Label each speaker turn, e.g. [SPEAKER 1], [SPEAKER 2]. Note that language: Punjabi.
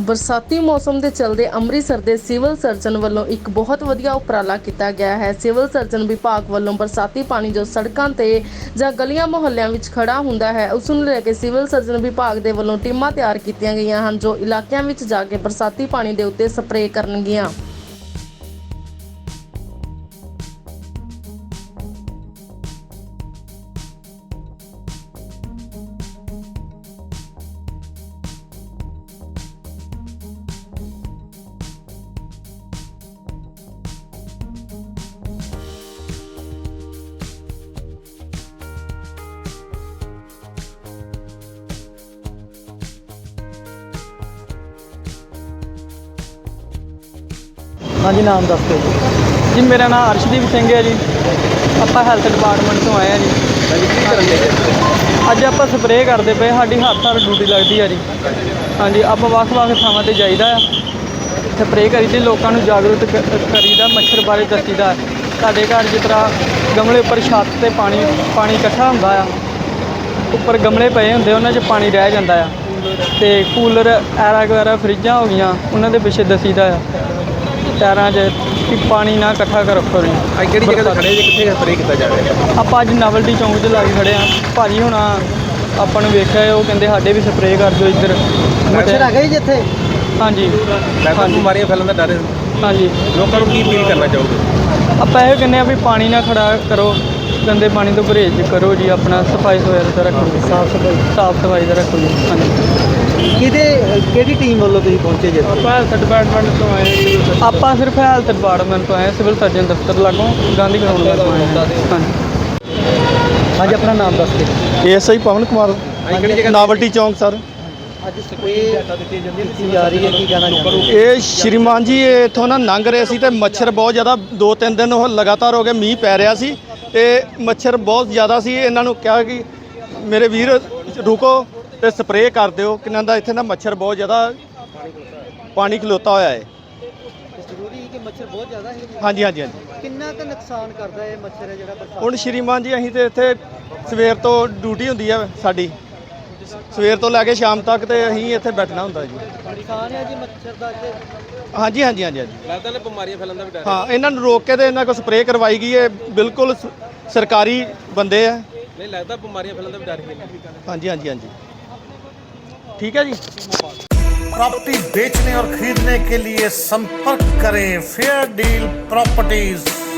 [SPEAKER 1] बरसाती मौसम के चलते ਅੰਮ੍ਰਿਤਸਰ ਦੇ ਸਿਵਲ ਸਰਜਨ ਵੱਲੋਂ ਇੱਕ ਬਹੁਤ ਵਧੀਆ ਉਪਰਾਲਾ ਕੀਤਾ ਗਿਆ ਹੈ। ਸਿਵਲ ਸਰਜਨ ਵਿਭਾਗ ਵੱਲੋਂ ਬਰਸਾਤੀ ਪਾਣੀ ਜੋ ਸੜਕਾਂ ਤੇ ਜਾਂ ਗਲੀਆਂ ਮੁਹੱਲਿਆਂ ਵਿੱਚ ਖੜਾ ਹੁੰਦਾ ਹੈ ਉਸ ਨੂੰ ਲੈ ਕੇ ਸਿਵਲ ਸਰਜਨ ਵਿਭਾਗ ਦੇ ਵੱਲੋਂ ਟੀਮਾਂ ਤਿਆਰ ਕੀਤੀਆਂ ਗਈਆਂ ਹਨ ਜੋ ਇਲਾਕਿਆਂ ਵਿੱਚ ਜਾ ਕੇ ਬਰਸਾਤੀ ਪਾਣੀ ਦੇ ਉੱਤੇ ਸਪਰੇਅ ਕਰਨਗੀਆਂ।
[SPEAKER 2] हाँ जी, नाम दस दो
[SPEAKER 3] जी। मेरा नाम अर्शदीप सिंह है जी। ਆਪਾਂ ਹੈਲਥ ਡਿਪਾਰਟਮੈਂਟ ਤੋਂ ਆਏ ਆ ਜੀ। ਅੱਜ ਆਪਾਂ ਸਪਰੇਅ ਕਰਦੇ ਪਏ, ਸਾਡੀ ਹਰ ਡਿਊਟੀ ਲੱਗਦੀ ਆ ਜੀ। ਹਾਂਜੀ, ਆਪਾਂ ਵੱਖ-ਵੱਖ ਥਾਵਾਂ ਤੇ ਜਾਈਦਾ ਆ, ਸਪਰੇਅ ਕਰੀਦੀ, ਲੋਕਾਂ ਨੂੰ ਜਾਗਰੂਕ ਕਰੀਦਾ, ਮੱਛਰ ਬਾਰੇ ਦੱਸੀਦਾ। ਸਾਡੇ ਘਰ ਜਿਸ ਤਰ੍ਹਾਂ ਗਮਲੇ ਉੱਪਰ ਛੱਤ ਤੇ ਪਾਣੀ ਇਕੱਠਾ ਹੁੰਦਾ ਆ, ਉੱਪਰ ਗਮਲੇ ਪਏ ਹੁੰਦੇ, ਉਹਨਾਂ 'ਚ ਪਾਣੀ ਰਹਿ ਜਾਂਦਾ ਆ, ਤੇ ਕੂਲਰ ਐਰਾ ਵਗੈਰਾ ਫਰਿੱਜਾਂ ਹੋ ਗਈਆਂ, ਉਹਨਾਂ ਦੇ ਪਿੱਛੇ ਦੱਸੀਦਾ ਆ ਟਾਇਰਾਂ 'ਚ ਕਿ ਪਾਣੀ ਨਾ ਇਕੱਠਾ ਕਰੋ।
[SPEAKER 2] ਅੱਜ ਕਿਹੜੀ ਜਗ੍ਹਾ ਤੇ ਖੜੇ ਜੀ, ਕਿੱਥੇ ਸਪਰੇਅ ਕੀਤਾ ਜਾ ਰਿਹਾ?
[SPEAKER 3] ਆਪਾਂ ਅੱਜ ਨਵਲਟੀ ਚੌਂਕ 'ਚ ਲਾ ਕੇ ਖੜੇ ਹਾਂ। ਭਾਜੀ ਹੁਣ ਆਪਾਂ ਨੂੰ ਵੇਖਿਆ, ਉਹ ਕਹਿੰਦੇ ਸਾਡੇ ਵੀ ਸਪਰੇਅ ਕਰ ਦਿਓ ਇੱਧਰ।
[SPEAKER 2] ਮੱਛਰ ਆ ਗਏ ਜੀ ਇੱਥੇ?
[SPEAKER 3] ਹਾਂਜੀ,
[SPEAKER 2] ਬਿਮਾਰੀਆਂ ਫੈਲਣ ਦਾ ਡਰ ਹੈ।
[SPEAKER 3] ਹਾਂਜੀ,
[SPEAKER 2] ਲੋਕਾਂ ਨੂੰ ਕੀ ਅਪੀਲ ਕਰਨਾ ਚਾਹੋਗੇ?
[SPEAKER 3] ਆਪਾਂ ਇਹ ਕਹਿੰਦੇ ਆ ਵੀ ਪਾਣੀ ਨਾ ਖੜਾ ਕਰੋ, ਗੰਦੇ ਪਾਣੀ ਤੋਂ ਪਰਹੇਜ਼ ਕਰੋ ਜੀ, ਆਪਣਾ ਸਫਾਈ ਦਾ ਰੱਖੋ, ਸਾਫ ਸਫਾਈ ਦਾ ਰੱਖੋ ਜੀ। ਹਾਂਜੀ,
[SPEAKER 2] ਕਿਹੜੀ ਟੀਮ ਵੱਲੋਂ ਤੁਸੀਂ ਪਹੁੰਚੇ ਜੀ?
[SPEAKER 3] ਆਪਾਂ ਹੈਲਥ ਡਿਪਾਰਟਮੈਂਟ ਤੋਂ ਆਏ ਹਾਂ। ਆਪਾਂ ਸਿਰਫ ਹੈਲਥ ਡਿਪਾਰਟਮੈਂਟ ਤੋਂ ਆਏ, ਸਿਵਲ ਸਰਜਨ ਦਫ਼ਤਰ ਲਾਗੋਂ ਗਾਂਧੀ ਗਰਾਊਂਡ ਤੋਂ ਆਏ ਹਾਂ।
[SPEAKER 2] ਹਾਂਜੀ, ਆਪਣਾ ਨਾਮ ਦੱਸ ਕੇ।
[SPEAKER 4] ਐਸਆਈ ਪਵਨ ਕੁਮਾਰ, ਨਾਵਲਟੀ ਚੌਂਕ ਸਰ।
[SPEAKER 2] ਅੱਜ ਸਪਰੇਅ ਕੀਤੀ ਜਾ ਰਹੀ ਹੈ, ਕੀ ਕਹਿਣਾ ਚਾਹੁੰਦੇ?
[SPEAKER 4] ਇਹ ਸ਼੍ਰੀਮਾਨ ਜੀ ਇੱਥੋਂ ਨਾ ਲੰਘ ਰਹੇ ਸੀ ਤੇ ਮੱਛਰ ਬਹੁਤ ਜ਼ਿਆਦਾ 2-3 ਦਿਨ ਉਹ ਲਗਾਤਾਰ ਹੋ ਗਏ, ਮੀਂਹ ਪੈ ਰਿਹਾ ਸੀ ਤੇ ਮੱਛਰ ਬਹੁਤ ਜ਼ਿਆਦਾ ਸੀ। ਇਹਨਾਂ ਨੂੰ ਕਿਹਾ ਕਿ ਮੇਰੇ ਵੀਰ ਰੁਕੋ ਤੇ ਸਪਰੇਅ ਕਰ ਦਿਓ, ਕਿਨਾਂ ਦਾ ਇੱਥੇ ਨਾ ਮੱਛਰ ਬਹੁਤ ਜ਼ਿਆਦਾ ਪਾਣੀ ਖਲੋਤਾ ਹੋਇਆ ਹੈ।
[SPEAKER 2] ਜ਼ਰੂਰੀ ਹੈ ਕਿ ਮੱਛਰ ਬਹੁਤ ਜ਼ਿਆਦਾ ਹੈ?
[SPEAKER 4] ਹਾਂਜੀ ਹਾਂਜੀ ਹਾਂਜੀ।
[SPEAKER 2] ਕਿੰਨਾ ਕੁ ਨੁਕਸਾਨ ਕਰਦਾ ਇਹ ਮੱਛਰ ਹੈ ਜਿਹੜਾ ਬਰਸਾਤ?
[SPEAKER 4] ਹੁਣ ਸ਼੍ਰੀਮਾਨ ਜੀ ਅਸੀਂ ਤੇ ਇੱਥੇ ਸਵੇਰ ਤੋਂ ਡਿਊਟੀ ਹੁੰਦੀ ਹੈ ਸਾਡੀ, ਸਵੇਰ ਤੋਂ ਲੈ ਕੇ ਸ਼ਾਮ ਤੱਕ ਤੇ ਅਸੀਂ ਇੱਥੇ ਬੈਠਣਾ ਹੁੰਦਾ ਜੀ।
[SPEAKER 2] ਨੁਕਸਾਨ ਹੈ ਜੀ ਮੱਛਰ ਦਾ ਇੱਥੇ?
[SPEAKER 4] ਹਾਂਜੀ ਹਾਂਜੀ ਹਾਂਜੀ ਹਾਂਜੀ।
[SPEAKER 2] ਲੱਗਦਾ ਨੇ ਬਿਮਾਰੀਆਂ ਫੈਲਣ ਦਾ ਵੀ ਡਰ?
[SPEAKER 4] ਹਾਂ, ਇਹਨਾਂ ਨੂੰ ਰੋਕ ਕੇ ਤੇ ਇਹਨਾਂ ਕੋਲ ਸਪਰੇਅ ਕਰਵਾਈ ਗਈ ਹੈ। ਬਿਲਕੁਲ ਸਰਕਾਰੀ ਬੰਦੇ ਆ।
[SPEAKER 2] ਨਹੀਂ ਲੱਗਦਾ ਬਿਮਾਰੀਆਂ फैलने का भी डर है?
[SPEAKER 4] हाँ जी हाँ जी हाँ जी, ठीक है जी।
[SPEAKER 5] प्रॉपर्टी बेचने और खरीदने के लिए संपर्क करें फेयर डील प्रॉपर्टीज।